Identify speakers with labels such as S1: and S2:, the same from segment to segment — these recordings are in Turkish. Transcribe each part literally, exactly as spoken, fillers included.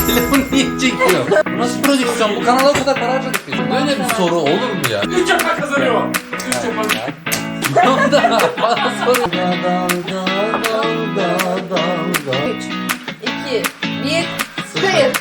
S1: Telefonu niye çekiyor? Bu nasıl prodüksiyon? Bu kanala o kadar para harcadık biz. Böyle bir soru olur mu ya?
S2: Üç yapan kazanıyor. Üç yapan.
S1: Ne oldu? Bana soru.
S3: üç, iki, bir, kayıt.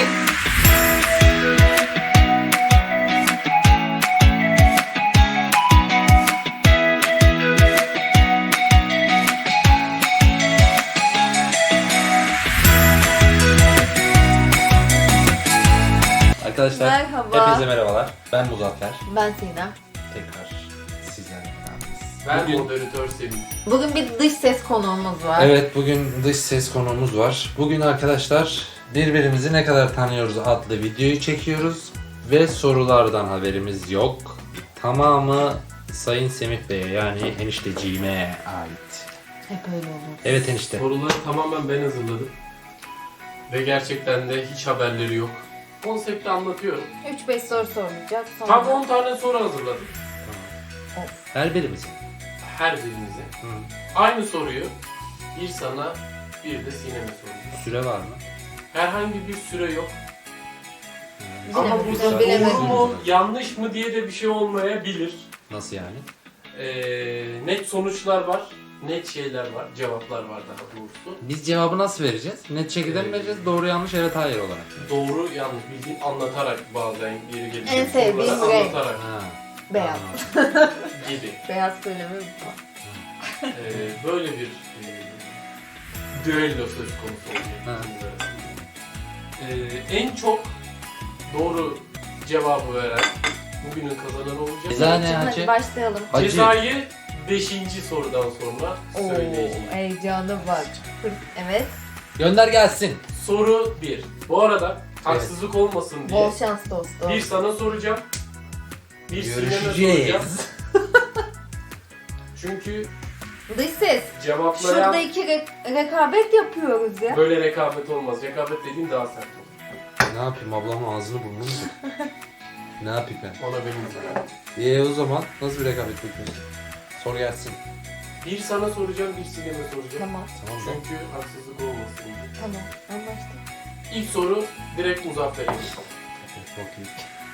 S1: Arkadaşlar
S3: Merhaba.
S1: hepinize merhabalar. Ben Muzaffer.
S3: Ben Sinem.
S1: Tekrar sizlerle beraberiz.
S2: Ben
S1: Bugün-
S2: moderatör Semih.
S3: Bugün bir dış ses konuğumuz var.
S1: Evet, bugün dış ses konuğumuz var. Bugün arkadaşlar birbirimizi ne kadar tanıyoruz adlı videoyu çekiyoruz. Ve sorulardan haberimiz yok. Tamamı Sayın Semih Bey'e yani enişteciğime ait.
S3: Hep öyle olur.
S1: Evet enişte.
S2: Soruları tamamen ben hazırladım. Ve gerçekten de hiç haberleri yok. Konsepti anlatıyorum.
S3: üç beş soru sorulacak. Sonra...
S2: Tam on tane soru hazırladım.
S3: Of.
S1: Her birimize.
S2: Her birinize.
S1: Hı.
S2: Aynı soruyu bir sana bir de Sinem'e soracağım.
S1: Süre var mı?
S2: Herhangi bir süre yok.
S3: Bilemedim,
S2: Ama burada
S3: bilemedim.
S2: doğru mu yanlış mı diye de bir şey olmayabilir.
S1: Nasıl yani?
S2: Ee, net sonuçlar var. Net şeyler var. Cevaplar var daha doğrusu.
S1: Biz cevabı nasıl vereceğiz? Net şekilde mi vereceğiz? Doğru yanlış evet hayır olarak.
S2: Doğru yanlış bildiğin anlatarak bazen geri gelecek.
S3: En sevdiğim
S2: soruları
S3: renk.
S2: Anlatarak
S1: Ha.
S3: Beyaz.
S1: Anladım.
S2: gibi.
S3: Beyaz söylemi bu.
S2: Ee, böyle bir e, düello söz konusu olacak.
S1: Ha.
S2: ikimiz arasında. Ee, en çok doğru cevabı veren bugünün kazananı olacak.
S1: Ceza ne
S3: Hadi
S1: Hacı?
S3: başlayalım.
S1: Hacı.
S2: Cezayı beşinci sorudan sonra
S3: Oo,
S2: söyleyeceğim.
S3: heyecanı bak. Evet.
S1: Gönder gelsin.
S2: Soru bir. Bu arada haksızlık olmasın diye
S3: Bol şans dostum.
S2: bir sana soracağım. Bir Sinem'e soracağım.
S1: Görüşeceğiz.
S2: Çünkü
S3: Dış ses.
S2: cevaplayan
S3: Şurada iki re- rekabet yapıyoruz ya.
S2: böyle rekabet olmaz. Rekabet dediğim daha sert olur.
S1: Ne yapayım ablamın ağzını burnunu mu? Ne yapayım ben?
S2: Ona benim izin ver.
S1: İyi o zaman nasıl bir rekabet bekliyorsun? Sor gelsin.
S2: Bir sana soracağım, bir Sinem'e soracağım.
S3: Tamam.
S1: Tamam mı?
S2: Çünkü haksızlık olmasın diye.
S3: Tamam. Anlaştık.
S2: İlk soru direkt Muzaffer'e.
S1: Bakayım.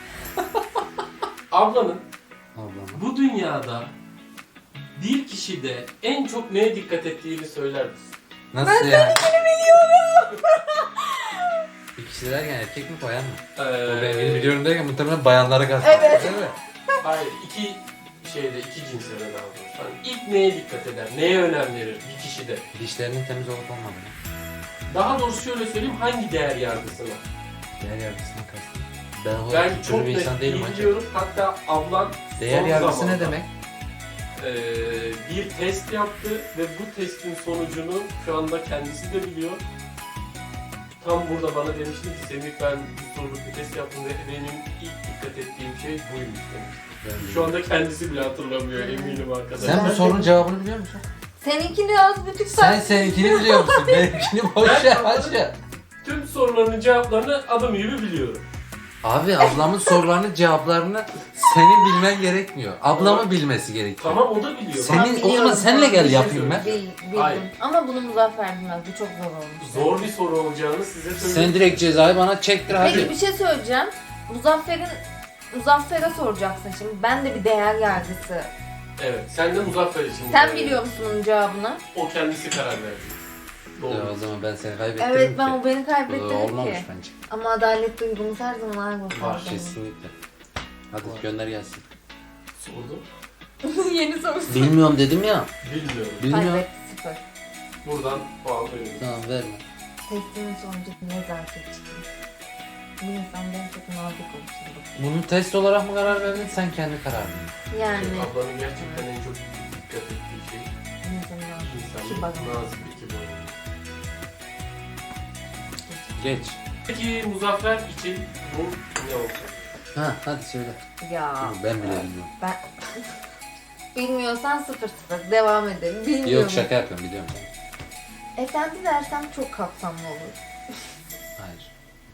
S2: Ablanın
S1: Ablam.
S2: bu dünyada bir kişide en çok neye dikkat ettiğini söyler misin?
S1: Nasıl ben yani? biliyorum. Bir kişi derken erkek mi bayan mı?
S2: Ee,
S1: O ben benim biliyorum derken muhtemelen bayanlara karşı.
S3: Evet.
S1: Değil mi?
S2: Hayır, iki şeyde, iki cinsede daha doğrusu. Hani ilk neye dikkat eder, neye önem verir bir kişide?
S1: Dişlerinin temiz olup olmadığını.
S2: Daha doğrusu şöyle söyleyeyim, hangi değer yargısına?
S1: Değer yargısına kastım. Ben o kadar
S2: Ben
S1: kültürlü
S2: çok
S1: bir
S2: net
S1: insan değilim hacı.
S2: biliyorum. Hatta ablam
S1: Değer
S2: son
S1: yargısı
S2: zamanda,
S1: ne demek?
S2: e, bir test yaptı ve bu testin sonucunu şu anda kendisi de biliyor. Tam burada bana demişti ki Semih ben bir soruluk bir test yaptım ve benim ilk dikkat ettiğim şey buymuş demişti. Şu anda kendisi bile hatırlamıyor eminim arkadaşlar.
S1: Sen bu sorunun cevabını biliyor musun?
S3: Seninkini az buçuk
S1: Sen
S3: saat.
S1: seninkini biliyor musun? Benimkini boş ver hacı.
S2: Tüm soruların cevaplarını adım gibi biliyorum.
S1: Abi ablamın sorularını cevaplarını senin bilmen gerekmiyor. Ablamın bilmesi gerekiyor.
S2: Tamam o da biliyor.
S1: Sen-
S2: Bak,
S1: Senin-
S3: Biliyorum,
S1: o zaman senle
S3: tamam,
S1: gel
S3: bir şey
S1: yapayım ben.
S3: Bil, bildim.
S2: Hayır.
S3: Ama bunu Muzaffer bilmez. Bu çok zor olmuş.
S2: Zor bir soru olacağını size söyleyeyim.
S1: Sen direkt cezayı bana çektir
S3: Peki
S1: hacı.
S3: bir şey söyleyeceğim. Muzaffer'in Muzaffer'e soracaksın şimdi. Ben de bir değer yargısı.
S2: Evet, sen de Muzaffer için.
S3: Sen
S2: yani.
S3: biliyor musun onun cevabını?
S2: O kendisi karar verdi.
S1: Ya, o
S2: Doğru.
S1: zaman ben seni kaybettim
S3: Evet
S1: ki.
S3: ben o beni
S1: Bu
S3: kaybettirdim
S1: olmamış
S3: ki.
S1: bence.
S3: Ama adalet duygumuz her zaman aynı olsun.
S2: Var,
S1: Kesinlikle. Hadi
S2: Var.
S1: gönder gelsin.
S2: Sordu.
S3: Yeni sorusu.
S1: Bilmiyorum dedim ya.
S2: Bilmiyorum.
S1: Bilmiyorum.
S3: Kaybet sıfır.
S2: Buradan puan veriyorum.
S1: Tamam verme.
S3: Testimin sonucu nezaket çıktı. Bu insan ben çok nazik olsun.
S1: Bunu test olarak mı karar verdin sen kendi kararın mı?
S3: Yani
S2: Ablanın gerçekten en çok dikkat ettiği şey
S3: insan nazik.
S2: insanın
S3: Kibar.
S2: nazik bir kibar olması.
S1: Geç.
S2: Peki Muzaffer için bu ne olacak?
S1: Ha hadi söyle.
S3: Ya.
S1: Ben bile bilmiyorum.
S3: Ben... Bilmiyorsan sıfır sıfır. Devam edelim. Bilmiyorum.
S1: Yok şaka yapıyorum biliyorum.
S3: Efendi dersem çok kapsamlı olur.
S1: Hayır.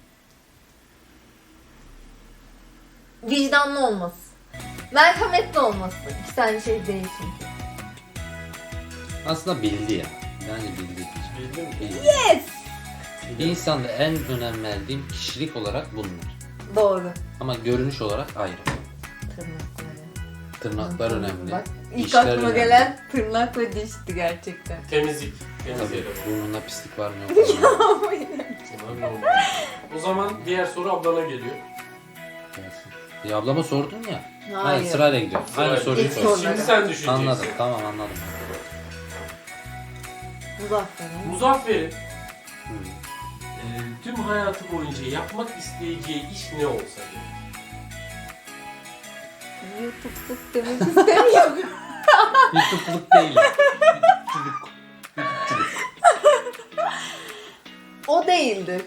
S3: Vicdanlı olması. Merhametli olması. İki tane şey değil çünkü.
S1: Aslında bildi ya. Bence bildi.
S2: Bildin mi?
S1: Bildi.
S3: Yes!
S2: kişiliği.
S1: Bir insanda en önem verdiğim kişilik olarak bunlar.
S3: Doğru.
S1: Ama görünüş olarak ayrı.
S3: Tırnakları.
S1: Tırnaklar önemli.
S3: Bak ilk
S1: dişler
S3: aklıma
S1: önemli.
S3: gelen tırnak ve dişti gerçekten.
S2: Temizlik. Temizliğe
S1: Tabii
S2: de bak.
S1: burnunda pislik var mı yok mu?
S2: Bunlar normal. O zaman diğer soru ablana geliyor.
S1: Gelsin. Ya ablama sordun ya.
S3: Hayır.
S1: Hayır, sırayla gidiyor. Aynı
S2: Sırayla.
S1: soruyu
S3: Geç
S1: sor.
S3: sor.
S2: Şimdi sen düşüneceksin.
S1: Anladım, tamam anladım.
S3: Muzaffer'in.
S2: Muzaffer'in
S1: Hı.
S2: e, tüm hayatı boyunca yapmak isteyeceği iş ne olsa gerek?
S3: YouTube'luk demek istemiyorum.
S1: YouTube'luk değil. YouTube'culuk.
S3: O değildir.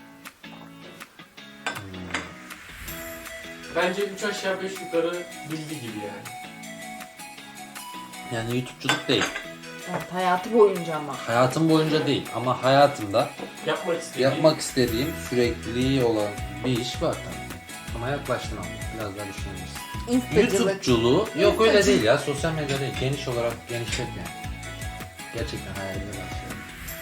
S2: Bence üç aşağı beş yukarı bildi gibi yani.
S1: Yani YouTube'culuk değil.
S3: Evet, hayatı boyunca ama.
S1: Hayatım boyunca değil ama hayatımda
S2: Yapmak istediği...
S1: yapmak istediğim sürekli olan bir iş var tabii. Ama yaklaştın ama biraz daha düşünebilirsin.
S3: Instacılık.
S1: YouTube'culuğu yok öyle
S3: Instacı-
S1: değil ya, sosyal medya değil, geniş olarak genişlet yani. Gerçekten hayaline başlıyor.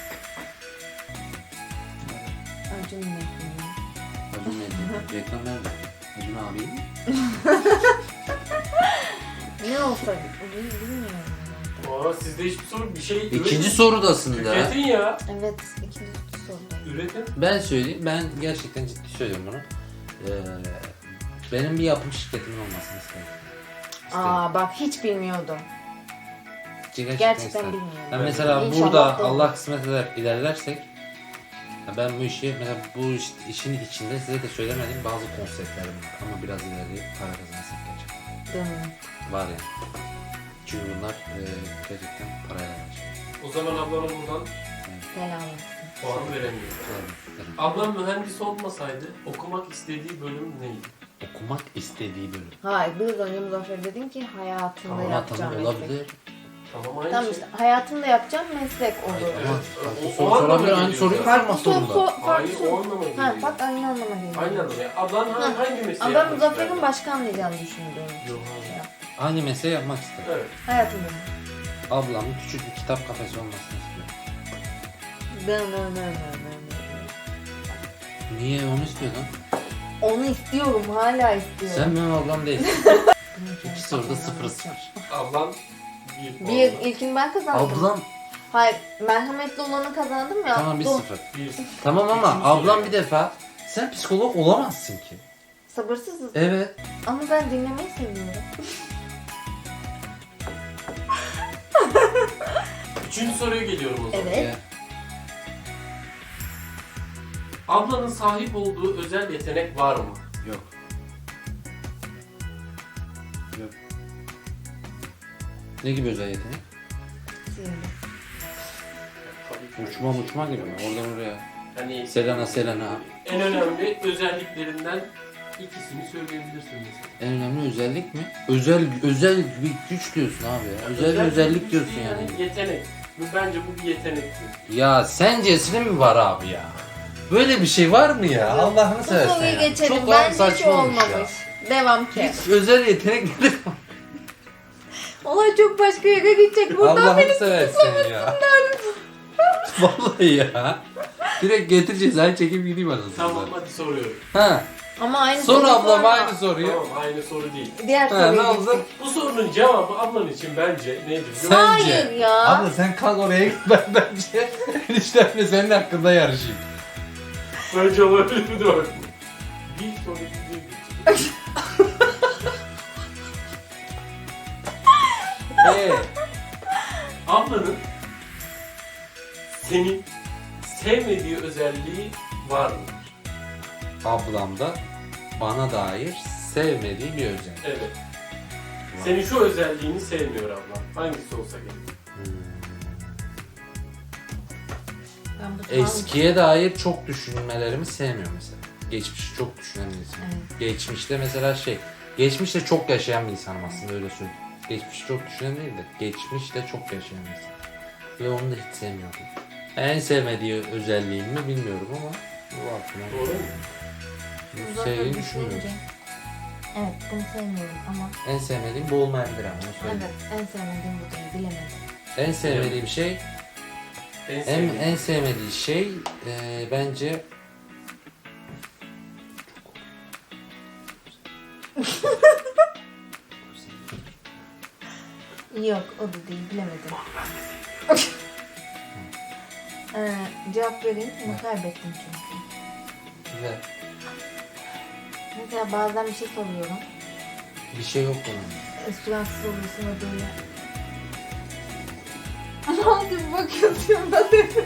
S3: Acun Metin.
S1: Acun Medya, reklam nerede? Acun abi mi?
S3: Ne olsa bil- bilmiyorum.
S2: Aa, sizde hiçbir soru bir şey
S1: İkinci
S2: üretin.
S1: sorudasında.
S2: Tüketin ya.
S3: Evet, ikinci soru.
S2: Üretin.
S1: Ben söyleyeyim, ben gerçekten ciddi söylüyorum bunu. Ee, benim bir yapım şirketimin olmasını isterim. İsterim.
S3: Aa bak hiç bilmiyordum.
S1: Gerçekten,
S3: Gerçekten
S1: isterim.
S3: bilmiyorum.
S1: Ben mesela
S3: İnşallah
S1: burada
S3: da olur.
S1: Allah kısmet eder ilerlersek ya ben bu işi mesela bu iş, işin içinde size de söylemediğim bazı konseptlerim var ama biraz ilerleyip para kazansak gerçekten
S3: Değil mi?
S1: var yani. Çünkü bunlar e, gerçekten paraya başlıyor.
S2: O zaman ablana buradan
S3: Selam olsun.
S2: puan veremiyor. Ablam mühendis olmasaydı okumak istediği bölüm neydi?
S1: Okumak istediği bölüm.
S3: Hayır, biraz önce Muzaffer dedin ki hayatında
S1: Tamam
S3: yapacağım
S1: tamam
S3: meslek.
S1: olabilir.
S2: Tamam aynı
S3: Tamam
S2: şey.
S3: işte hayatımda yapacağım meslek olur.
S2: Evet.
S1: Farklı
S2: O-
S1: soru
S2: o anlama
S1: sorabilir, aynı
S2: geliyor
S1: soruyu
S2: zaten.
S1: sormak
S3: Farklı soru,
S1: zorunda.
S3: so- farklı
S2: Hayır
S3: soru.
S2: o anlama
S3: Ha,
S2: geliyor.
S3: bak aynı anlama geliyor.
S2: Aynı anlama. Ya. Ablan hangi,
S3: Ha.
S2: hangi mesleği
S3: Ama ben
S2: yapmak
S3: Muzaffer'in
S2: isterdi?
S3: başka anlayacağını düşündüğüm.
S2: Yok abi.
S1: Hangi mesleği yapmak ister?
S2: Evet.
S3: Hayatımda.
S1: Ablamın küçük bir kitap kafesi olmasını istiyor.
S3: Dın dın dın dın dın.
S1: Niye onu istiyordun?
S3: Onu istiyorum, hala istiyorum.
S1: Sen benim ablam değilsin.
S3: Bunu
S1: İki soruda sıfır sıfır.
S2: Ablan bir puan.
S3: Bir, ilkini ben kazandım.
S1: Ablam
S3: Hayır, merhametli olanı kazandım ya.
S1: tamam bir
S3: Dur,
S1: sıfır.
S2: Bir.
S1: Tamam ama
S2: Üçüncü
S1: ablam
S2: soru.
S1: bir defa sen psikolog olamazsın ki.
S3: Sabırsızız.
S1: Evet.
S3: Ama ben dinlemeyi seviyorum.
S2: Üçüncü soruya geliyorum o zaman.
S3: Evet.
S2: Ablanın sahip olduğu özel yetenek var mı?
S1: Yok. Yok. Ne gibi özel yetenek?
S3: Sihirli.
S2: Tabii ki.
S1: Uçma uçma gibi mi? Oradan oraya.
S2: Hani
S1: Selena Selena.
S2: en önemli özelliklerinden ikisini söyleyebilirsin mesela.
S1: En önemli özellik mi? Özel özel bir güç diyorsun abi ya. Özel, bir özellik diyorsun yani.
S2: Yetenek. Bu bence bu bir yetenektir.
S1: Ya sencesinin mi var abi ya? Böyle bir şey var mı ya? Allah'ını
S3: Bu
S1: seversen
S3: soruyu
S1: ya.
S3: geçelim.
S1: Çok
S3: Bence hiç
S1: saçma olmuş ya.
S3: olmamış. Devam ki.
S1: Hiç özel yetenekleri
S3: Olay çok başka yere gidecek. Buradan
S1: Allah'ını
S3: beni
S1: seversen ya. Vallahi ya. Direkt getir cezayı çekip gideyim anasını.
S2: Tamam hadi soruyorum.
S1: Ha.
S3: ama aynı
S1: Sor
S3: soruyu
S1: ablam
S3: sorma.
S1: aynı soruyu.
S2: Tamam aynı soru değil.
S3: Diğer
S1: Ha, ne
S3: soruya
S1: oldu?
S3: geçtik.
S2: Bu sorunun cevabı ablan için bence neydi? biliyor musun?
S1: Sence?
S3: Hayır ya.
S1: Abla sen kalk oraya git ben bence. Eniştemle senin hakkında yarışayım.
S2: Bence olabilir mi doğru? Bir soru değil.
S1: Eee?
S2: Ablanın senin sevmediği özelliği var mı?
S1: Ablamda bana dair sevmediği bir özellik.
S2: Evet.
S1: var.
S2: Senin şu özelliğini sevmiyor ablan. Hangisi olsa gerek.
S1: Hmm.
S3: Ben bu tamam.
S1: Eskiye dair çok düşünmelerimi sevmiyorum mesela. Geçmişi çok düşünen bir insanım.
S3: Evet.
S1: Geçmişte mesela şey, geçmişte çok yaşayan bir insanım aslında öyle söyleyeyim. Geçmişi çok düşünen değil de geçmişte çok yaşayan bir insan. Ve onu da hiç sevmiyordum. En sevmediği özelliğim mi bilmiyorum ama bu aklıma
S2: Doğru mu?
S3: Muzaffer
S1: sevdiğini
S3: düşününce-
S1: düşünmüyorum.
S3: Evet, bunu sevmiyorum ama
S1: En sevmediğim bu olmayabilir ama onu söyleyeyim.
S3: evet, en sevmediğim bu değil, bilemedim.
S1: En sevmediğim şey
S2: En
S1: En,
S2: sevdiğim.
S1: en sevmediği şey e, bence
S3: Yok o da değil bilemedim. ee, cevap vereyim ama kaybettim çünkü.
S1: güzel.
S3: Mesela bazen bir şey soruyorum.
S1: Bir şey yok bunun.
S3: Suratsız oluyorsun ve böyle. Mal gibi bakıyorsun da nefret.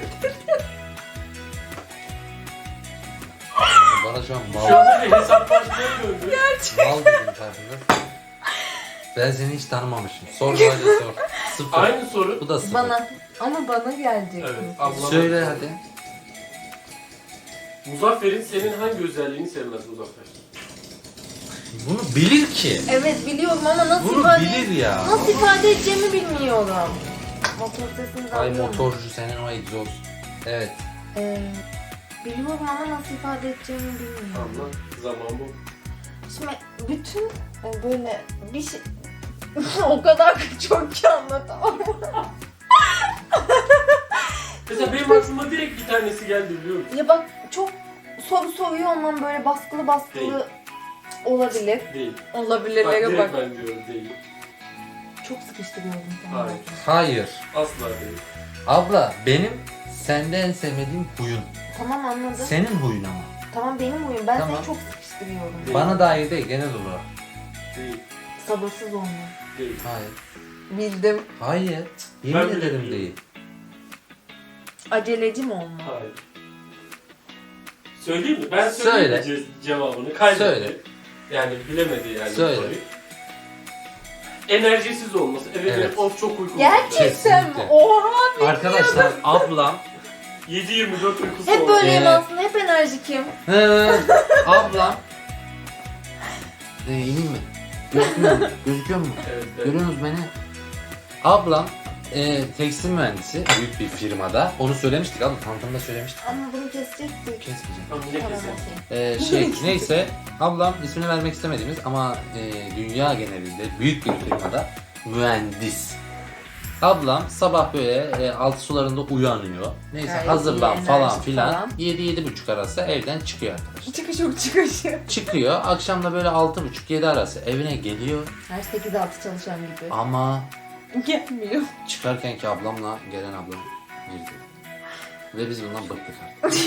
S1: Bana şu an
S2: Şu
S1: mal,
S2: anda bir hesaplaşmaya döndü.
S1: mal dedim farkında. Ben seni hiç tanımamışım. Sor hadi sor. Sıfır.
S2: Aynı soru.
S1: Bu da sıfır.
S3: Bana ama bana gelecek.
S2: Evet. Ablama
S1: Söyle
S2: sor.
S1: hadi.
S2: Muzaffer'in senin hangi özelliğini sevmez Muzaffer?
S1: Bunu bilir ki.
S3: Evet biliyorum ama nasıl
S1: Bunu
S3: ifade
S1: bilir ya.
S3: nasıl ifade edeceğimi bilmiyorum. Motor sesini de
S1: Ay
S3: alıyorum.
S1: motorcu senin o egzoz. Evet.
S3: Ee, biliyorum ama nasıl ifade edeceğimi bilmiyorum.
S2: Anla. Zaman bu.
S3: Şimdi bütün e, böyle bir şey o kadar çok ki anlatamam.
S2: Mesela benim aklıma direkt bir tanesi geldi biliyor musun?
S3: Ya bak çok soru soruyor olmam böyle baskılı baskılı
S2: Değil.
S3: olabilir.
S2: Değil. Bak
S3: Olabilirlere bak.
S2: direkt ben diyorum değil.
S3: Çok sıkıştırıyorum seni.
S2: Hayır.
S1: Hayır.
S2: Asla değil.
S1: Abla benim sende en sevmediğim huyun.
S3: Tamam anladım.
S1: Senin huyun ama.
S3: Tamam benim huyum. Ben
S1: Tamam.
S3: seni çok sıkıştırıyorum.
S2: Değil.
S1: Bana dair değil genel olarak.
S2: Değil.
S3: Sabırsız olma.
S2: Değil.
S1: Hayır.
S3: Bildim.
S1: Hayır. Yemin
S2: Ben bile
S1: ederim
S2: biliyorum.
S1: değil.
S3: Aceleci mi olma?
S2: Hayır. Söyleyeyim mi? Ben
S1: Söyle.
S2: söyleyeyim mi ce- cevabını? Kaybetti.
S1: Söyle.
S2: Yani bilemedi yani. bu
S1: Söyle.
S2: soruyu. Enerjisiz olması. Evet,
S1: Evet.
S2: evet. of çok uykum.
S3: Gerçekten mi?
S1: Kesinlikle.
S3: Oha!
S1: Arkadaşlar ablam
S2: yedi yirmi dört uykusu
S3: Hep
S2: oldu.
S3: böyleyim
S1: Ee,
S3: aslında. Hep enerjikim.
S1: He, ablam ee, ineyim mi? Gözüküyor mu? Gözüküyor mu?
S2: Evet, evet.
S1: Görüyorsunuz beni? Ablam e, tekstil mühendisi büyük bir firmada. Onu söylemiştik abla. Tanıtımda söylemiştik.
S3: Ama bunu kesecektik.
S1: Kesmeyeceğim.
S2: Tamam yine
S3: Tamam
S2: kesin.
S3: okey.
S1: Ee, şey neyse ablam ismini vermek istemediğimiz ama e, dünya genelinde büyük bir firmada mühendis. Ablam sabah böyle e, altı sularında uyanıyor. Neyse
S3: Gayet
S1: hazırlan
S3: iyi,
S1: falan
S3: enerji
S1: filan.
S3: falan.
S1: yedi yedi buçuk arası evden çıkıyor arkadaşlar.
S3: Çıkış yok çıkışı.
S1: Çıkıyor akşam da böyle altı buçuk yedi arası evine geliyor
S3: Her sekiz altı çalışan gibi.
S1: ama
S3: Gelmiyor.
S1: çıkarken ki ablamla gelen ablam girdi. Ve biz bundan bıktık artık.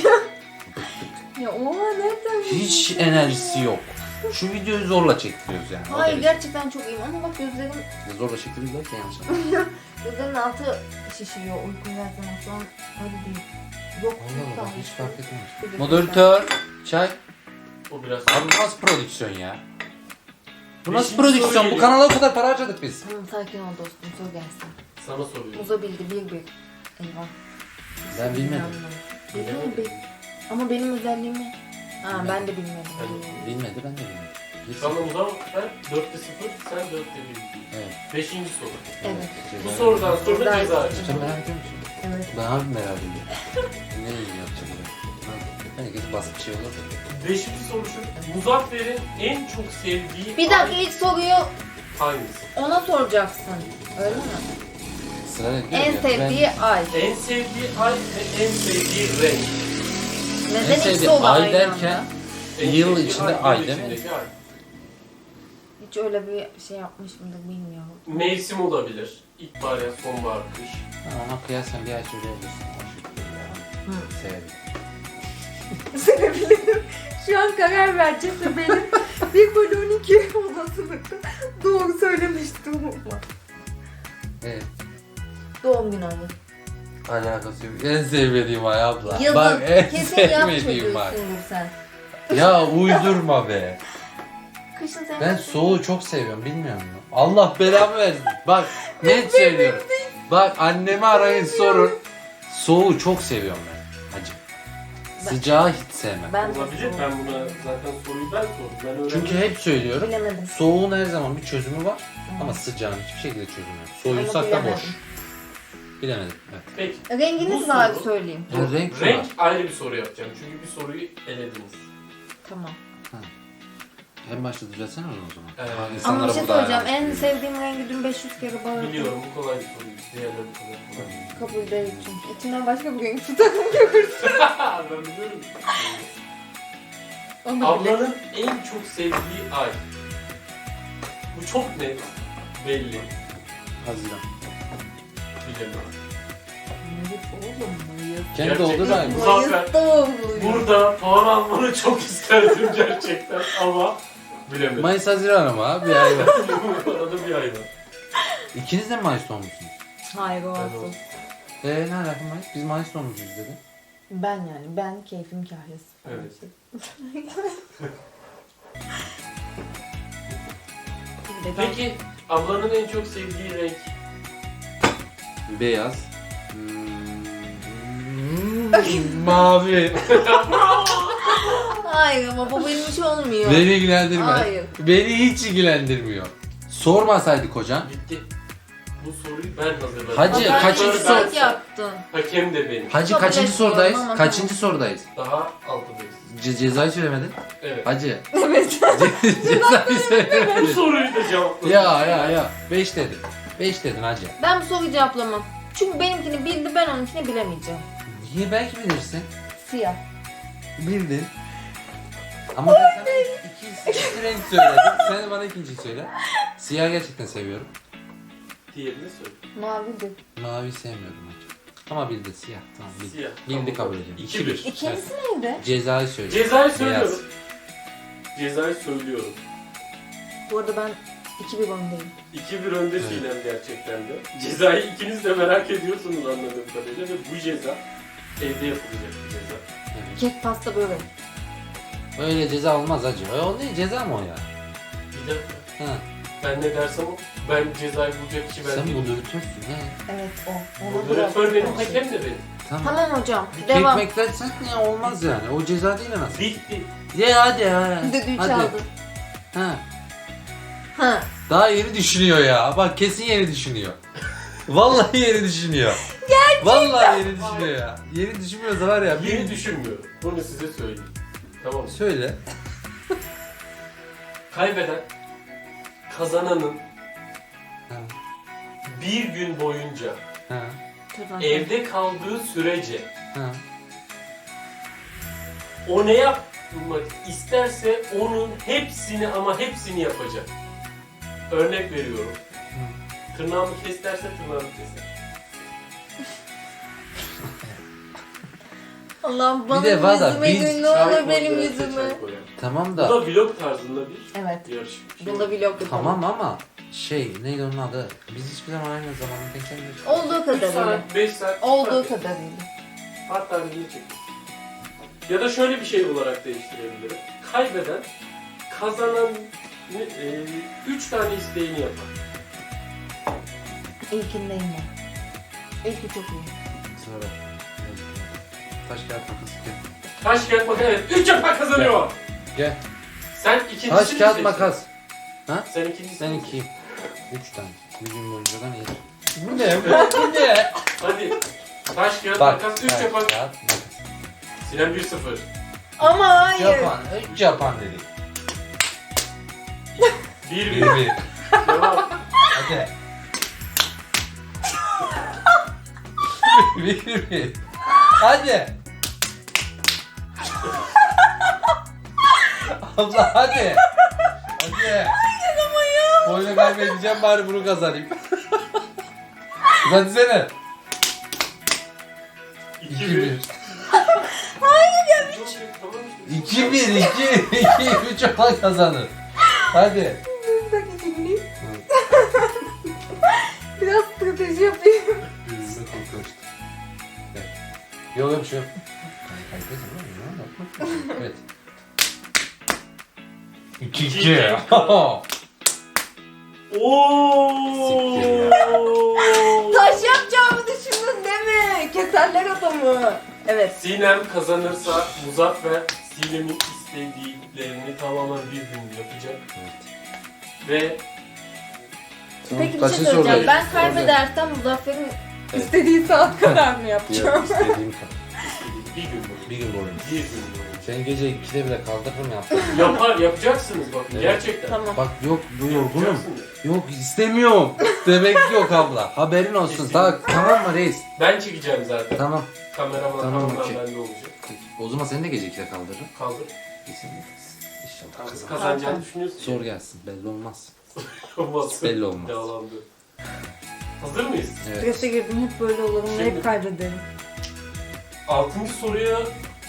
S3: Ya oha nereden
S1: Hiç enerjisi yok. Şu videoyu zorla çektiriyoruz yani. o
S3: Hayır
S1: derece.
S3: gerçekten çok iyiyim ama bak gözlerim,
S1: Zorla çektiriyoruz derken yanlış anladım.
S3: gözlerimin altı şişiyor uykum her zaman şu an öyle değil. Yok
S1: Allah Allah
S3: yok,
S1: hiç fark etmemiş.
S3: Bir
S1: Moderatör, çay.
S2: O biraz.
S1: Abi bu nasıl prodüksiyon ya? Bu nasıl
S2: Beşinci
S1: prodüksiyon?
S2: soru
S1: Bu
S2: geliyor.
S1: kanala o kadar para harcadık biz.
S3: Tamam sakin ol dostum sor gelsin.
S2: Sana soruyorum.
S3: Muza bildi bir bir. Eyvah.
S1: Ben bilmedim.
S3: Bilmiyorum. Bilmiyorum bil. Ama benim özelliğimi... Ha
S1: Bilmedim.
S3: ben de bilmedim.
S2: Ben-
S1: Bilmedi ben de bilmedim. Bir
S2: Şu anda
S1: sıfır.
S2: o zaman ben dörtte sıfır, sen dörtte bir.
S1: Evet.
S2: Beşinci soru.
S3: Evet.
S2: Bu sorudan sonra
S3: Ceza
S2: ceza
S3: istedim.
S1: Sen merak ediyor musun?
S3: Evet.
S1: Ben harbi merak ediyorum. Ne iyi yapacak bu? Ben gidip basit bir şey olur.
S2: Beşinci soru şu. Muzaffer'in en çok sevdiği
S3: Bir dakika
S2: ay
S3: ilk soruyu
S2: hangisi?
S3: ona soracaksın. Öyle mi?
S1: Sırayla gidiyor
S3: En
S1: ya.
S3: sevdiği ay.
S2: En sevdiği ay ve en sevdiği renk.
S1: Ben,
S3: Neden
S1: en
S3: ikisi
S1: sevdiğim
S3: olan
S1: ay
S3: aynı
S1: derken
S3: anda?
S2: En
S1: yıl
S2: sevdiği
S1: içinde
S2: yıl
S1: ay değil mi?
S2: içindeki ay.
S3: Hiç öyle bir şey yapmış mıdır bilmiyorum.
S2: Mevsim olabilir. İlkbahar, yaz, sonbahar, kış.
S1: Ha, ona kıyasen bir ay söyleyebilirsin.
S3: Hı.
S1: Severim.
S3: Sevebilirim. Şu an karar vereceğiz ve benim bir bölü on iki olasılıkla doğru söylemiştim ama.
S1: Evet.
S3: Doğum günü ayı.
S1: Alakası yok. En sevmediğim ay abla.
S3: Yazın
S1: Bak en
S3: kesin yaz
S1: sevmediğim ay.
S3: çocuğusundur sen.
S1: Ya uydurma be.
S3: Kışın sen
S1: Ben soğuğu çok seviyorum bilmiyor musun? Allah belamı versin. Bak net söylüyorum. Bak annemi arayın sorun. Soğuğu çok seviyorum ben. Hacı.
S3: Ben-
S1: Sıcağı hiç sevmem.
S3: Ben de
S2: Olabilir.
S3: soğuk.
S2: Ben buna zaten soruyu ben sordum. Ben öğrendim.
S1: Çünkü hep söylüyorum.
S3: Bilemedim.
S1: Soğuğun her zaman bir çözümü var
S3: Evet.
S1: ama sıcağın hiçbir şekilde çözümü yok.
S3: Ama
S1: Soğuyursak da
S3: bilemedim.
S1: boş. Bilemedim. Evet.
S2: Peki.
S3: Renginiz
S2: Bu
S3: var
S2: soru-
S3: söyleyeyim.
S1: Ya renk
S2: renk
S1: var.
S2: ayrı bir soru yapacağım. Çünkü bir soruyu elediniz.
S3: Tamam.
S1: En başta düzelsene onu o zaman.
S2: Ee,
S1: Bak,
S3: Ama
S1: insanlara
S3: bir şey
S1: burada
S3: söyleyeceğim.
S1: ayarlamış
S3: En
S1: gibi.
S3: sevdiğim rengi dün beş yüz kere bağırdım.
S2: Biliyorum bu kolay bir soruydu. Diğerleri bu kadar kolay değil.
S3: Kabul değil çünkü. İçinden başka bir renk tutarım görürsün.
S2: Ben biliyorum.
S3: Onu bile.
S2: Ablanın en çok sevdiği ay. Bu çok net. Belli.
S1: Haziran.
S2: Bilemem.
S3: Mayıs oğlum Mayıs.
S1: Kendi
S2: Gerçekten.
S1: oldu da aynı.
S2: Muzaffer.
S3: Mayıs doğumluyum.
S2: Burada puan almanı çok isterdim gerçekten ama bilemedim.
S1: Mayıs Haziran ama bir ay var.
S2: Bu arada bir ay var.
S1: İkiniz de mi Mayıs doğmuşsunuz?
S3: Hayır o
S2: Ben
S3: asıl.
S2: olsun.
S1: Eee ne alaka Mayıs? Biz Mayıs doğmuşuz dedi.
S3: Ben yani. Ben keyfim kahyası.
S2: Evet.
S3: Bir de ben-
S2: Peki ablanın en çok sevdiği renk?
S1: Beyaz. Hmm, mavi.
S3: Hayır ama bu benim hiç olmuyor.
S1: Beni ilgilendirmez.
S3: Hayır.
S1: Beni hiç ilgilendirmiyor. Sormasaydı kocan.
S2: Bitti. Bu soruyu ben hazırladım.
S1: Hacı,
S3: Ama
S1: kaçıncı
S3: ben
S1: soru?
S3: istek yaptın.
S2: Hakem de benim.
S1: Hacı
S3: Kabul
S1: kaçıncı
S3: etmiyorum
S1: sorudayız?
S3: ama
S1: Kaçıncı sorudayız?
S2: Daha altındayız.
S1: Ce cezayı söylemedin.
S2: Evet.
S1: Hacı.
S3: Evet.
S1: Ce cezayı
S2: Bu
S1: söylemedin.
S2: soruyu da cevapladım.
S1: Ya ya ya. Beş dedin. Beş dedin hacı.
S3: Ben bu soruyu cevaplamam. Çünkü benimkini bildi, ben onunkini bilemeyeceğim.
S1: Niye belki bilirsin?
S3: Siyah.
S1: Bildin. Ama ben sana iki, iki renk söyledim. Sen de bana ikinciyi söyle. Siyah gerçekten seviyorum.
S2: Diğerini söyle.
S3: Mavidir.
S1: Mavi sevmiyorum hacı. Ama bildi siyah. Tamam bildi.
S2: Siyah.
S1: Bildi
S2: Tamam.
S1: kabul ediyorum.
S2: İki
S1: İki
S2: bir.
S1: bir.
S3: İkincisi neydi?
S1: Cezayı söyle.
S2: Cezayı
S1: Beyaz.
S2: söylüyorum. Cezayı söylüyorum.
S3: Bu arada ben iki bir öndeyim.
S2: iki bir önde Sinem gerçekten de. Cezayı ikiniz de merak ediyorsunuz anladığım kadarıyla ve bu ceza evde yapılacak bir ceza.
S1: Evet.
S3: Kek pasta böyle.
S1: Öyle ceza olmaz hacı. O o değil ceza mı o ya?
S2: Bir dakika.
S1: Ha.
S2: Ben ne dersem o. Ben cezayı bulacak kişi ben
S1: Sen
S2: değilim.
S1: moderatörsün he.
S3: Evet o. Ona
S2: Moderatör benim,
S3: bırak.
S2: hakem de benim.
S1: Tamam.
S3: Tamam hocam.
S1: Bir
S3: Devam.
S1: kek beklersen ya olmaz yani. O ceza değil nasıl?
S2: Bitti.
S1: Ye hadi ha.
S3: Düdüğü
S1: Hadi.
S3: çaldı.
S1: Ha.
S3: Ha.
S1: Daha yeni düşünüyor ya. Bak kesin yeni düşünüyor. Vallahi yeni düşünüyor. Gerçekten. Vallahi yeni düşünüyor ya. Yeni düşünmüyorsa var ya.
S2: Yeni düşünmüyorum. Bunu size söyleyeyim. Tamam mı?
S1: Söyle.
S2: Kaybeden kazananın
S1: Ha.
S2: bir gün boyunca
S1: Ha.
S3: Kazan.
S2: evde kaldığı sürece
S1: Ha.
S2: o ne yapmak isterse onun hepsini ama hepsini yapacak. Örnek veriyorum. Tırnağımı kes derse tırnağımı keser.
S3: Allah'ım bana
S1: Bir de var da
S3: yüzüme
S1: biz-
S3: gün ne
S2: Çay
S3: olur
S2: koy
S3: benim
S2: derse
S3: yüzüme.
S2: çay koyar.
S1: Tamam
S2: Bu
S1: da.
S2: da vlog tarzında bir
S3: Evet.
S2: yarışma.
S3: Bunda vlog yapalım.
S1: Tamam ama şey neydi onun adı? Biz hiçbir zaman aynı zamanda denk gelmiyoruz.
S3: Olduğu
S2: üç
S3: kadarıyla.
S2: saat, beş saat.
S3: Olduğu
S2: fark
S3: kadarıyla.
S2: Hatta bir çekin. Ya da şöyle bir şey olarak değiştirebilirim. Kaybeden kazanan e, üç tane isteğini yapar.
S3: İlkindeyim ben. İlki çok iyi.
S1: Sonra. Taş kağıt makas gel.
S2: Taş kağıt makas. Evet. Üç yapan kazanıyor.
S1: Gel.
S2: Sen ikincisini
S1: Taş
S2: mi
S1: kağıt
S2: seçtin?
S1: makas.
S2: Sen ikincisini
S1: Sen
S2: mi
S1: iki. Üç tane. Bir gün boyunca da ne? Bu ne? Bu ne?
S2: seçtin? Hadi. Taş kağıt
S1: Bak.
S2: makas. Üç
S1: taş,
S2: yapan.
S1: kağıt, makas.
S2: Sinem bir sıfır.
S3: Ama hayır.
S1: Japan. Üç Japan dedik.
S2: Bir
S1: Bir
S2: bir.
S1: bir.
S2: Devam.
S1: Hadi. bir bir. Hadi. Allah hadi. Hadi. Oyunu kaybedeceğim bari bunu kazanayım. Hadi sene.
S2: İki
S1: iki
S2: bir.
S1: bir.
S2: Çok iyi, tamam işte.
S1: iki bir. iki. iki. üç olan kazanır. Hadi.
S3: Bak iki güleyim. Biraz strateji yapayım.
S1: Yüzüme kol karıştı. Evet. Yok yok bir şey yok. Kaybetsin oğlum ya. Evet. İki
S2: İki
S1: iki.
S2: iki.
S1: Siktir ya.
S2: Ooo.
S3: Taş yapacağımı düşündün değil mi? Keserler adamı. Evet.
S2: Sinem kazanırsa Muzaffer Sinem'in istediklerini tamamen bir gün yapacak ve
S3: Peki bir şey
S1: Kaçıncı
S3: söyleyeceğim.
S1: sorudayız?
S3: Ben kaybedersem Muzaffer'in istediği saat kadar mı
S1: Yok
S3: yapacağım?
S1: istediğim kadar.
S2: bir gün boyunca.
S1: Bir gün boyunca.
S2: Bir gün boyunca.
S1: Sen gece ikide bile kaldırırım yaptın.
S2: Yapar, yapacaksınız bakın
S1: Evet.
S2: gerçekten.
S3: Tamam.
S1: Bak yok bu yorgunum.
S2: Yapacaksınız.
S1: Yok istemiyorum. Demek yok abla. Haberin olsun.
S2: Kesin.
S1: Ta tamam mı reis?
S2: Ben çekeceğim zaten.
S1: Tamam.
S2: Kameraman
S1: Tamam,
S2: tamam,
S1: okey.
S2: bende olacak.
S1: O zaman seni de gece ikide kaldırırım.
S2: Kaldır.
S1: Kesin. İnşallah
S2: Kaz-
S1: kazan.
S2: Kazanacağını düşünüyorsun.
S1: Sor gelsin. Belli olmaz.
S2: Olmaz.
S1: Belli olmaz.
S2: Yalandı. Hazır mıyız?
S1: Evet.
S3: Strese girdim, hep böyle olurum ve
S2: Şimdi-
S3: hep kaybederim.
S2: Altıncı soruya...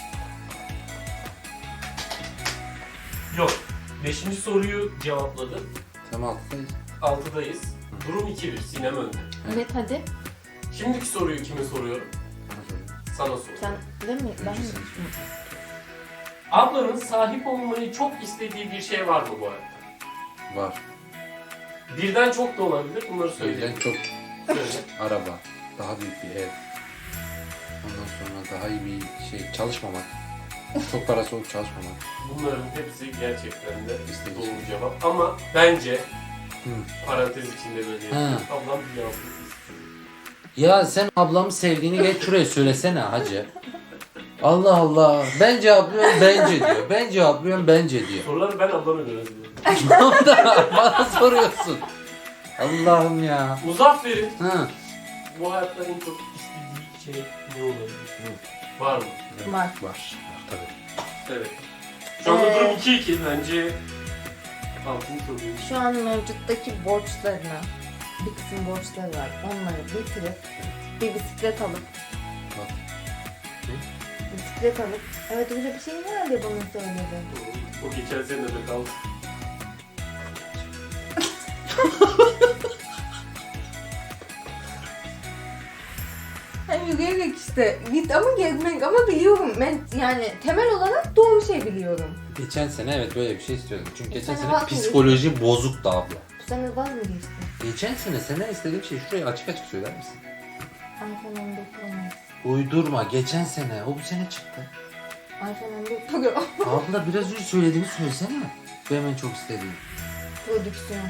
S2: Yok. Beşinci soruyu cevapladım.
S1: Tamam alttayız.
S2: Altıdayız. Durum iki bir. Sinem önde.
S3: Evet hadi.
S2: Şimdiki soruyu kime soruyorum?
S1: Bana söyle.
S2: Sana soruyorum.
S3: Sen değil mi? Ben
S1: Önce
S3: mi?
S1: sen sor.
S2: Ablanın sahip olmayı çok istediği bir şey var mı bu hayatta?
S1: Var.
S2: Birden çok da olabilir. Bunları söyleyeyim.
S1: Birden çok
S2: Söyle.
S1: araba. Daha büyük bir ev. Ondan sonra daha iyi bir şey. Çalışmamak. Çok parası olup çalışmamak.
S2: Bunların hepsi gerçekten de
S1: İstediği
S2: doğru
S1: şey.
S2: cevap. Ama bence
S1: Hı.
S2: parantez içinde böyle
S1: Ha.
S2: ablam bir yapmak istiyor.
S1: Ya sen ablamı sevdiğini geç şuraya söylesene hacı. Allah Allah. Ben cevaplıyorum bence diyor. Ben cevaplıyorum bence diyor.
S2: Soruları ben ablama göre hazırlıyorum.
S1: Tamam da bana soruyorsun. Allah'ım ya.
S2: Muzaffer'in
S1: Ha.
S2: bu hayatta en çok istediği şey ne olabilir? Var mı?
S3: Var.
S1: Var. Var tabii.
S2: Evet. Şu anda
S3: Ee,
S2: durum iki iki. Bence altını soruyoruz.
S3: Şu an mevcuttaki borçlarına, bir kısım borçları var. Onları bitirip bir bisiklet alıp
S1: Bak.
S3: bisiklet alıp evet öyle bir şey var ya bana söyledi.
S2: O geçen sene de kaldı.
S3: Hani yürüyerek işte git ama gezmek ama biliyorum ben yani temel olarak doğru şey biliyorum.
S1: Geçen sene evet böyle bir şey istiyordum. Çünkü geçen
S3: Sen
S1: sene
S3: vazgeçtin.
S1: psikoloji bozuktu abla.
S3: Bu sene vaz mı geçti?
S1: Geçen sene senden istediğim şey şurayı açık açık söyler misin?
S3: iPhone on bir Pro Max.
S1: Uydurma geçen sene. O bu sene çıktı.
S3: iPhone on bir Pro.
S1: Abla biraz önce söylediğimi söylesene. Benim en çok istediğim.
S3: Prodüksiyon.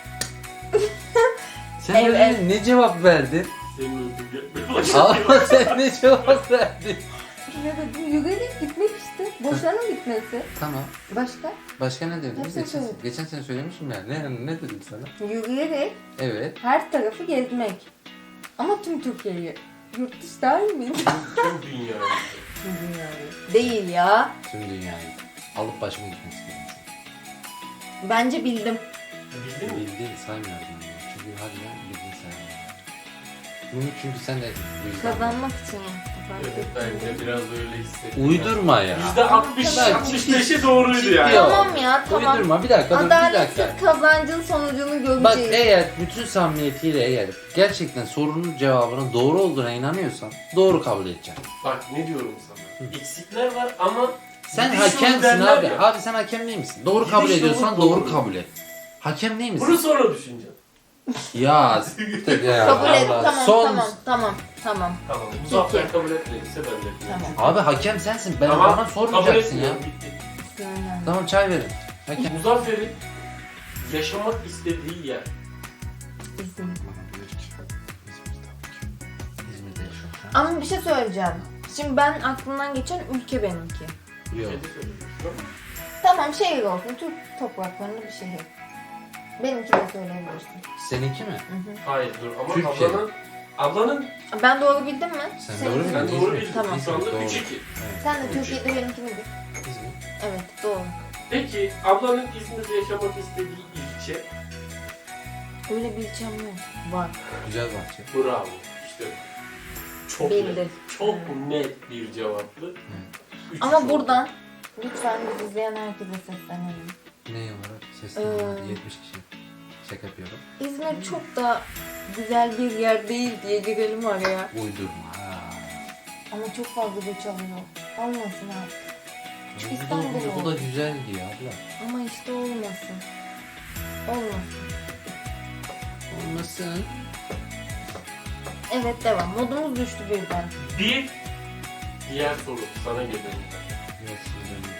S1: Sen
S3: Evet,
S1: öyle
S3: evet.
S1: ne cevap verdin?
S2: Senin öldüğün gelmeye başladı.
S1: Abla sen ne cevap verdin?
S3: Ne dedim? Yürüyerek gitmek işte. Boşuna gitmesi.
S1: Tamam.
S3: Başka?
S1: Başka ne dedim?
S3: Hepsini
S1: Geçen,
S3: söyledim.
S1: geçen sene söylemişim ya. Ne, ne dedim sana?
S3: Yürüyerek
S1: Evet.
S3: her tarafı gezmek. Ama tüm Türkiye'yi. Yurt dışı dahil mi?
S2: Tüm dünyayı.
S3: Tüm dünyayı. Değil ya.
S1: Tüm dünyayı. Alıp başıma gitmek istiyorum.
S3: Bence bildim.
S2: Bildin mi?
S1: Bildin saymıyorum ben. bunu. Çünkü hadi ya bildin saymıyorum. Bunu çünkü sen de bu yüzden-
S3: Kazanmak için yaptı. fark
S2: Evet
S3: ettim.
S2: bence biraz öyle hissettim.
S1: Uydurma ya.
S2: yüzde altmış altmış beşi doğruydu yani.
S3: Tamam ya tamam.
S1: Uydurma bir dakika dur bir dakika.
S3: Adaletsiz kazancın sonucunu
S1: Bak
S3: göreceğiz.
S1: eğer bütün samimiyetiyle eğer gerçekten sorunun cevabının doğru olduğuna inanıyorsan doğru kabul edeceksin.
S2: Bak ne diyorum sana. Eksikler var ama
S1: Sen
S2: gidiş yolu
S1: hakemsin
S2: derler
S1: abi.
S2: ya.
S1: Abi sen hakem değil misin? Doğru kabul
S2: Gidiş yolu
S1: ediyorsan
S2: doğru.
S1: doğru kabul et. Hakem değil misin?
S2: Bunu sonra düşüneceğim.
S1: Ya, s- ya
S3: Kabul et
S1: Allah.
S3: tamam
S1: Son...
S3: tamam tamam tamam.
S2: Tamam. Muzaffer kabul etmediyse ben de etmiyorum.
S3: Tamam.
S1: Abi hakem sensin. Ben
S2: Tamam,
S1: bana
S2: kabul
S1: sormayacaksın ya.
S2: etmiyorum, bitti.
S3: Aynen.
S1: Tamam çay verin. Hakem.
S2: Muzaffer'in yaşamak istediği yer.
S3: İzmir.
S1: İzmir'de yaşıyorum şu an.
S3: Ama bir şey söyleyeceğim. Şimdi ben aklımdan geçen ülke benimki.
S1: Yok.
S2: Kedi söylüyorsun ama
S3: Tamam şehir olsun. Türk topraklarında bir şehir. Benimki de söyleyebilirsin.
S1: Seninki mi?
S3: Hı hı.
S2: hayır dur ama
S1: Türkiye.
S2: ablanın ablanın
S3: Ben doğru bildim mi?
S1: Sen
S3: Senin-
S1: doğru
S2: sen
S1: bildin.
S2: doğru
S1: İzmir.
S2: bildin.
S3: Tamam.
S2: Şu anda
S1: Doğru.
S2: üç iki.
S1: Evet.
S3: Sen de
S2: Üç.
S3: Türkiye'de benimkini bil.
S1: İzmir.
S3: Evet doğru.
S2: Peki ablanın İzmir'de yaşamak istediği ilçe?
S3: Öyle bir ilçem yok. Var.
S1: Güzel bahçe.
S2: Bravo. İşte çok
S3: Bildi.
S2: net. Çok net bir cevaptı. Üç
S3: Ama
S2: üç
S3: buradan
S2: oldu.
S3: lütfen bizi izleyen herkese seslenelim.
S1: Ne olarak seslendim
S3: Ee,
S1: yetmiş kişi. Şaka yapıyorum.
S3: İzmir çok da güzel bir yer değil diye girelim araya.
S1: Uydurma. Ha.
S3: Ama çok fazla göç alıyor. Olmasın abi. Küçük
S1: Bu
S3: İstanbul
S1: da, bu da
S3: oldu.
S1: güzel diyor abla.
S3: Ama işte olmasın. Olmasın.
S1: Olmasın.
S3: Evet devam. Modumuz düştü birden.
S2: Bir diğer soru sana geliyorum.
S1: Yok, sizden.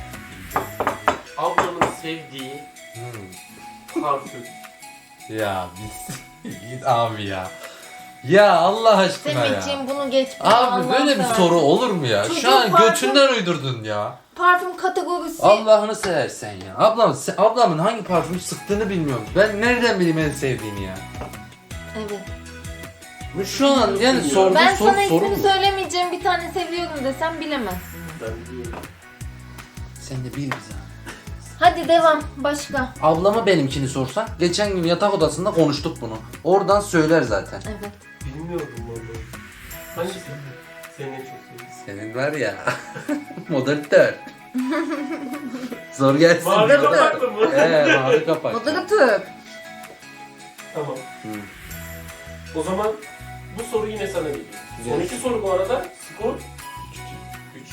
S2: Ablanın sevdiği
S1: Hmm.
S2: parfüm.
S1: Ya biz git abi ya. Ya Allah aşkına ya.
S3: Semihciğim bunu geç.
S1: Abi
S3: Allah'ını
S1: böyle bir
S3: seversen.
S1: soru olur mu ya?
S3: Çocuk
S1: Şu an
S3: parfüm-
S1: götünden uydurdun ya.
S3: Parfüm kategorisi.
S1: Allah'ını seversen ya. Ablam, sen- ablamın hangi parfümü sıktığını bilmiyorum. Ben nereden bileyim en sevdiğini ya?
S3: Evet.
S1: Şu an yani sorduğun
S3: Ben
S1: soru
S3: sana
S1: soru
S3: ismini
S1: mu?
S3: söylemeyeceğim bir tane seviyorum desem bilemezsin.
S2: Ben biliyorum.
S1: Sen de bil bize.
S3: Hadi devam. Başka.
S1: Ablama benimkini sorsan. Geçen gün yatak odasında konuştuk bunu. Oradan söyler zaten.
S3: Evet.
S2: Bilmiyordum vallahi. Hangisi? Seni en çok sevdim.
S1: Senin var ya. Moderatör. Zor gelsin.
S2: Mavi
S1: moderatör.
S2: kapaklı mı?
S1: Ee, mavi kapak.
S3: Moderatör.
S2: Tamam.
S1: Hı.
S2: O zaman bu soru yine sana geliyor. Son
S1: Evet.
S2: iki soru bu arada. Skor üç.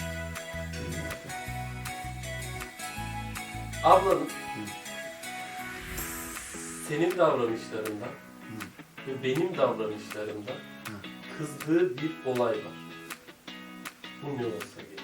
S2: Ablanın senin davranışlarında ve benim davranışlarımda kızdığı bir olay var. Bu ne olsa gerek?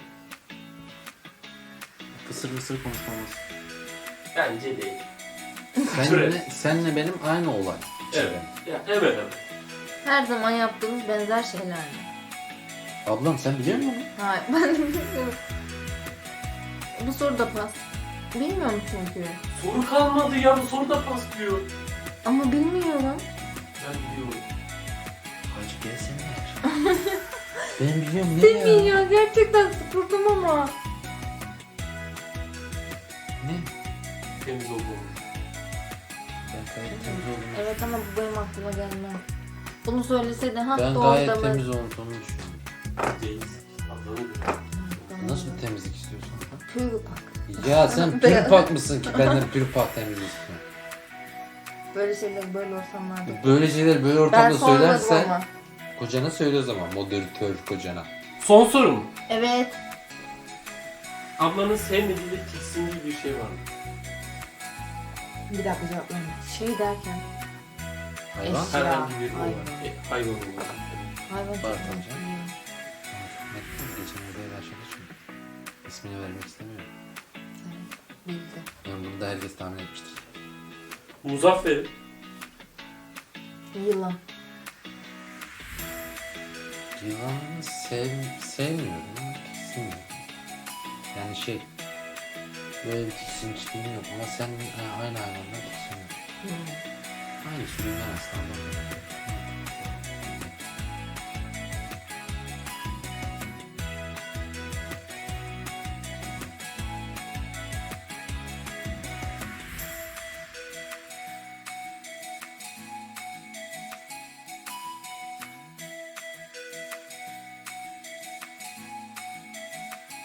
S1: Fısır fısır konuşmamız.
S2: Bence değil.
S1: Senle, senle benim aynı olay.
S2: Evet. Ya hemen hemen.
S3: Her zaman yaptığımız benzer şeyler mi?
S1: Ablam sen biliyor musun?
S3: Hayır ben de bilmiyorum. Bu soru da pas. Bilmiyorum çünkü.
S2: Soru kalmadı ya, bu soru da pas diyor.
S3: Ama bilmiyorum.
S2: Ben biliyorum.
S1: Hacı gelsene. Ben biliyorum ne
S3: Semih
S1: ya?
S3: ya gerçekten sıkıldım ama.
S1: Ne?
S2: Temiz olduğunu.
S1: Ben gayet temiz olduğumu
S3: Evet ama bu benim aklıma gelmez. Bunu söyleseydin ha
S1: Ben
S3: doğru
S1: gayet
S3: demez.
S1: temiz olduğumu düşünüyorum.
S2: Değiliz. Ablanı göre.
S3: Tamam.
S1: Nasıl bir temizlik istiyorsun?
S3: Pür pak.
S1: Ya sen pürpak mısın ki benden pürpak temizlik istiyorsun?
S3: Böyle şeyler böyle ortamlarda.
S1: Böyle şeyler böyle
S3: Ben
S1: ortamda
S3: sormadım
S1: söylersen
S3: ama.
S1: kocana söyle o zaman, moderatör kocana.
S2: Son sorum.
S3: Evet.
S2: Ablanın sevmediği ve tiksindiği bir şey var mı?
S3: Bir dakika cevaplayayım. Şey derken.
S1: Hayvan?
S3: Eşya.
S2: Herhangi bir olay.
S3: Hayvan.
S2: E, hayvan olarak.
S3: Hayvan
S1: Var
S3: çok
S1: tabii
S3: hoşuma
S1: canım.
S3: gidiyor.
S1: Geçen odaya başladı çünkü. İsmini vermek istemiyorum.
S3: Evet. Bildi.
S1: Yani bunu da herkes tahmin etmiştir.
S2: Muzaffer.
S3: Yılan.
S1: Yılanı sev, sevmiyorum ama tiksiniyorum. Yani şey, böyle bir tiksinçliğim yok ama sen e, aynı hayvandan tiksiniyorsun.
S3: Hmm.
S1: Aynı süründen aslında